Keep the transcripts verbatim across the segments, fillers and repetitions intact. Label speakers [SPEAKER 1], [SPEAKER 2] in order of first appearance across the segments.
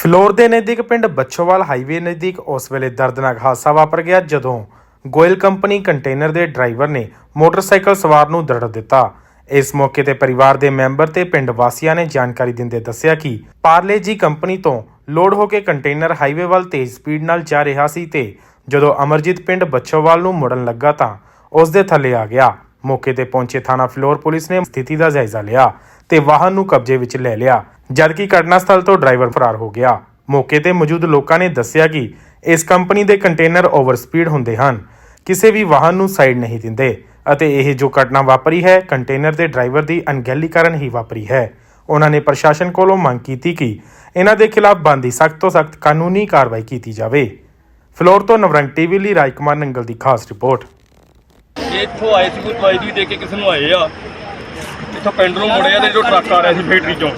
[SPEAKER 1] ਫਿਲੌਰ ਦੇ ਨਜ਼ਦੀਕ ਪਿੰਡ ਬੱਛੋਵਾਲ ਹਾਈਵੇ ਨਜ਼ਦੀਕ ਉਸ ਵੇਲੇ ਦਰਦਨਾਕ ਹਾਦਸਾ ਵਾਪਰ ਗਿਆ ਜਦੋਂ ਗੋਇਲ ਕੰਪਨੀ ਕੰਟੇਨਰ ਦੇ ਡਰਾਈਵਰ ਨੇ ਮੋਟਰਸਾਈਕਲ ਸਵਾਰ ਨੂੰ ਦਰੜ ਦਿੱਤਾ। ਇਸ ਮੌਕੇ ਤੇ ਪਰਿਵਾਰ ਦੇ ਮੈਂਬਰ ਤੇ ਪਿੰਡ ਵਾਸੀਆਂ ਨੇ ਜਾਣਕਾਰੀ ਦਿੰਦੇ ਦੱਸਿਆ ਕਿ ਪਾਰਲੇ ਜੀ ਕੰਪਨੀ ਤੋਂ ਲੋਡ ਹੋ ਕੇ ਕੰਟੇਨਰ ਹਾਈਵੇ ਵੱਲ ਤੇਜ਼ ਸਪੀਡ ਨਾਲ ਜਾ ਰਿਹਾ ਸੀ ਤੇ ਜਦੋਂ ਅਮਰਜੀਤ ਪਿੰਡ ਬੱਛੋਵਾਲ ਨੂੰ ਮੁੜਨ ਲੱਗਾ ਤਾਂ ਉਸ ਦੇ ਥੱਲੇ ਆ ਗਿਆ। ਮੌਕੇ ਤੇ ਪਹੁੰਚੇ ਥਾਣਾ ਫਿਲੌਰ ਪੁਲਿਸ ਨੇ ਸਥਿਤੀ ਦਾ ਜਾਇਜ਼ਾ ਲਿਆ ਤੇ ਵਾਹਨ ਨੂੰ ਕਬਜ਼ੇ ਵਿੱਚ ਲੈ ਲਿਆ, ਜਦਕਿ ਘਟਨਾ ਸਥਲ ਤੋਂ ਡਰਾਈਵਰ ਫਰਾਰ ਹੋ ਗਿਆ। ਮੌਕੇ ਤੇ ਮੌਜੂਦ ਲੋਕਾਂ ਨੇ ਦੱਸਿਆ ਕਿ ਇਸ ਕੰਪਨੀ ਦੇ ਕੰਟੇਨਰ ਓਵਰ ਸਪੀਡ ਹੁੰਦੇ ਹਨ, ਕਿਸੇ ਵੀ ਵਾਹਨ ਨੂੰ ਸਾਈਡ ਨਹੀਂ ਦਿੰਦੇ ਅਤੇ ਇਹ ਜੋ ਘਟਨਾ ਵਾਪਰੀ ਹੈ ਕੰਟੇਨਰ ਦੇ ਡਰਾਈਵਰ ਦੀ ਅਣਗਹਿਲੀ ਕਾਰਨ ਹੀ ਵਾਪਰੀ ਹੈ। ਉਹਨਾਂ ਨੇ ਪ੍ਰਸ਼ਾਸਨ ਕੋਲੋਂ ਮੰਗ ਕੀਤੀ ਕਿ ਇਹਨਾਂ ਦੇ ਖਿਲਾਫ ਬਣਦੀ ਸਖਤ ਤੋਂ ਸਖਤ ਕਾਨੂੰਨੀ ਕਾਰਵਾਈ ਕੀਤੀ ਜਾਵੇ। ਫਿਲੌਰ ਤੋਂ ਨਵਰੰਗ ਟੀਵੀ ਲਈ ਰਾਜਕੁਮਾਰ ਨੰਗਲ ਦੀ ਖਾਸ ਰਿਪੋਰਟ।
[SPEAKER 2] ਇੱਥੋਂ ਆਏ ਸੀ ਕੋਈ ਦਵਾਈ ਦੀ ਦੇ ਕੇ ਕਿਸੇ ਨੂੰ ਆਏ ਆ, ਇੱਥੋਂ ਪਿੰਡ ਨੂੰ ਮੁੜੇ ਆ ਤੇ ਜੋ ਟਰੱਕ ਆ ਰਿਹਾ ਸੀ ਫੈਕਟਰੀ ਚੋਂ,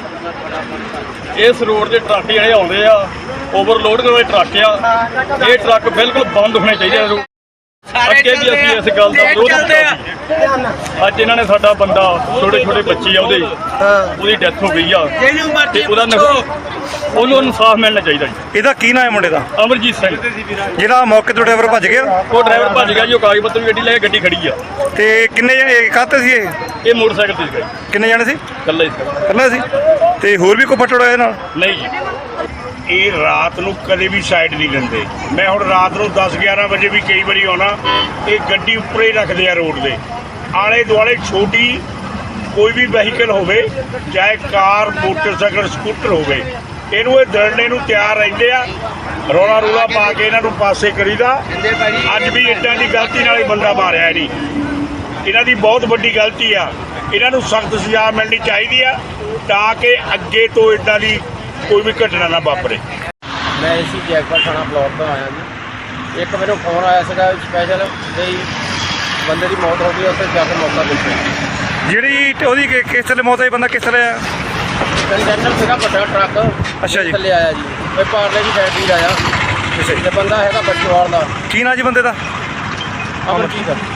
[SPEAKER 2] ਇਸ ਰੋਡ ਦੇ ਟਰੱਕ ਜਿਹੜੇ ਆਉਂਦੇ ਆ ਓਵਰਲੋਡ ਦੇ ਟਰੱਕ ਆ, ਇਹ ਟਰੱਕ ਬਿਲਕੁਲ ਬੰਦ ਹੋਣੇ ਚਾਹੀਦੇ ਆ। ਅੱਗੇ ਵੀ ਅਸੀਂ ਇਸ ਗੱਲ ਦਾ ਵਿਰੋਧ ਕੀਤਾ। ਅੱਜ ਇਹਨਾਂ ਨੇ ਸਾਡਾ ਬੰਦਾ ਛੋਟੇ ਛੋਟੇ ਬੱਚੇ ਆ ਉਹਦੇ ਉਹਦੀ ਡੈਥ ਹੋ ਗਈ ਆ ਤੇ ਉਹਦਾ ਉਹਨੂੰ ਇਨਸਾਫ ਮਿਲਣਾ ਚਾਹੀਦਾ ਜੀ।
[SPEAKER 3] ਇਹਦਾ ਕੀ ਨਾਮ ਹੈ ਮੁੰਡੇ ਦਾ?
[SPEAKER 2] ਅਮਰਜੀਤ ਸਿੰਘ।
[SPEAKER 3] ਜਿਹੜਾ ਮੌਕੇ ਤੋਂ ਡਰਾਈਵਰ ਭੱਜ ਗਿਆ?
[SPEAKER 2] ਉਹ ਡਰਾਈਵਰ ਭੱਜ ਗਿਆ ਜੀ, ਉਹ ਕਾਗਜ਼ ਪੱਤਰ ਵੀ ਗੱਡੀ ਲੈ ਕੇ ਗੱਡੀ ਖੜੀ ਆ।
[SPEAKER 3] ਤੇ ਕਿੰਨੇ ਜਣੇ ਕਾਹਤੇ ਸੀ ਇਹ?
[SPEAKER 2] ਇਹ ਮੋਟਰਸਾਈਕਲ ਤੇ ਸੀਗਾ।
[SPEAKER 3] ਕਿੰਨੇ ਜਣੇ ਸੀ?
[SPEAKER 2] ਇਕੱਲਾ ਹੀ ਸੀ।
[SPEAKER 3] ਇਕੱਲਾ ਸੀ। ਤੇ ਹੋਰ ਵੀ ਕੋਈ ਫੱਟੜ ਹੋਇਆ ਨਾਲ?
[SPEAKER 2] ਨਹੀਂ ਜੀ,
[SPEAKER 4] ਇਹ ਰਾਤ ਨੂੰ ਕਦੇ ਵੀ ਸਾਈਡ ਨਹੀਂ ਲੈਂਦੇ। ਮੈਂ ਹੁਣ ਰਾਤ ਨੂੰ ਦਸ ਗਿਆਰਾਂ ਵਜੇ ਵੀ ਕਈ ਵਾਰੀ ਆਉਣਾ, ਇਹ ਗੱਡੀ ਉੱਪਰ ਹੀ ਰੱਖਦੇ ਆ ਰੋਡ ਦੇ ਆਲੇ ਦੁਆਲੇ। ਛੋਟੀ ਕੋਈ ਵੀ ਵਹੀਕਲ ਹੋਵੇ, ਚਾਹੇ ਕਾਰ, ਮੋਟਰਸਾਈਕਲ, ਸਕੂਟਰ ਹੋਵੇ, ਇਹਨੂੰ ਇਹ ਦਰੜਨੇ ਨੂੰ ਤਿਆਰ ਰਹਿੰਦੇ ਆ। ਰੌਲਾ ਰੌਲਾ ਪਾ ਕੇ ਇਹਨਾਂ ਨੂੰ ਪਾਸੇ ਕਰੀਦਾ। ਅੱਜ ਵੀ ਇੱਦਾਂ ਦੀ ਗਲਤੀ ਨਾਲ ਹੀ ਬੰਦਾ ਮਾਰਿਆ ਨਹੀਂ। ਇਹਨਾਂ ਦੀ ਬਹੁਤ ਵੱਡੀ ਗਲਤੀ ਆ, ਇਹਨਾਂ ਨੂੰ ਸਖਤ ਸਜ਼ਾ ਮਿਲਣੀ ਚਾਹੀਦੀ ਆ ਤਾਂ ਕਿ ਅੱਗੇ ਤੋਂ ਇੱਦਾਂ ਦੀ ਕੋਈ ਵੀ ਘਟਨਾ ਨਾ ਵਾਪਰੇ।
[SPEAKER 5] ਮੈਂ ਇਸੀ ਜੈਕਪਾਟ ਥਾਣਾ ਫਿਲੌਰ ਤੋਂ ਆਇਆ ਜੀ। ਇੱਕ ਮੈਨੂੰ ਫੋਨ ਆਇਆ ਸੀਗਾ ਸਪੈਸ਼ਲ ਵੀ ਬੰਦੇ ਦੀ ਮੌਤ ਹੋ ਗਈ, ਉੱਥੇ ਜਾ ਕੇ ਮੌਕਾ ਦੇਖਿਆ।
[SPEAKER 3] ਜਿਹੜੀ ਉਹਦੀ ਕਿ- ਕਿਸ ਥੱਲੇ ਮੌਤ ਹੋਈ? ਬੰਦਾ ਕਿਸ ਥੱਲੇ ਆਇਆ?
[SPEAKER 5] ਕੰਟੇਨਰ ਸੀਗਾ ਵੱਡਾ ਟਰੱਕ।
[SPEAKER 3] ਅੱਛਾ ਜੀ।
[SPEAKER 5] ਥੱਲੇ ਆਇਆ ਜੀ, ਇਹ ਪਾਰਲੇ ਦੀ ਫੈਕਟਰੀ ਆਇਆ।
[SPEAKER 3] ਅੱਛਾ ਜੀ।
[SPEAKER 5] ਤੇ ਬੰਦਾ ਹੈਗਾ ਬੱਛੋਵਾਲ ਦਾ।
[SPEAKER 3] ਕੀ ਨਾਂ ਜੀ ਬੰਦੇ ਦਾ?
[SPEAKER 5] ਅਮਰਜੀਤ।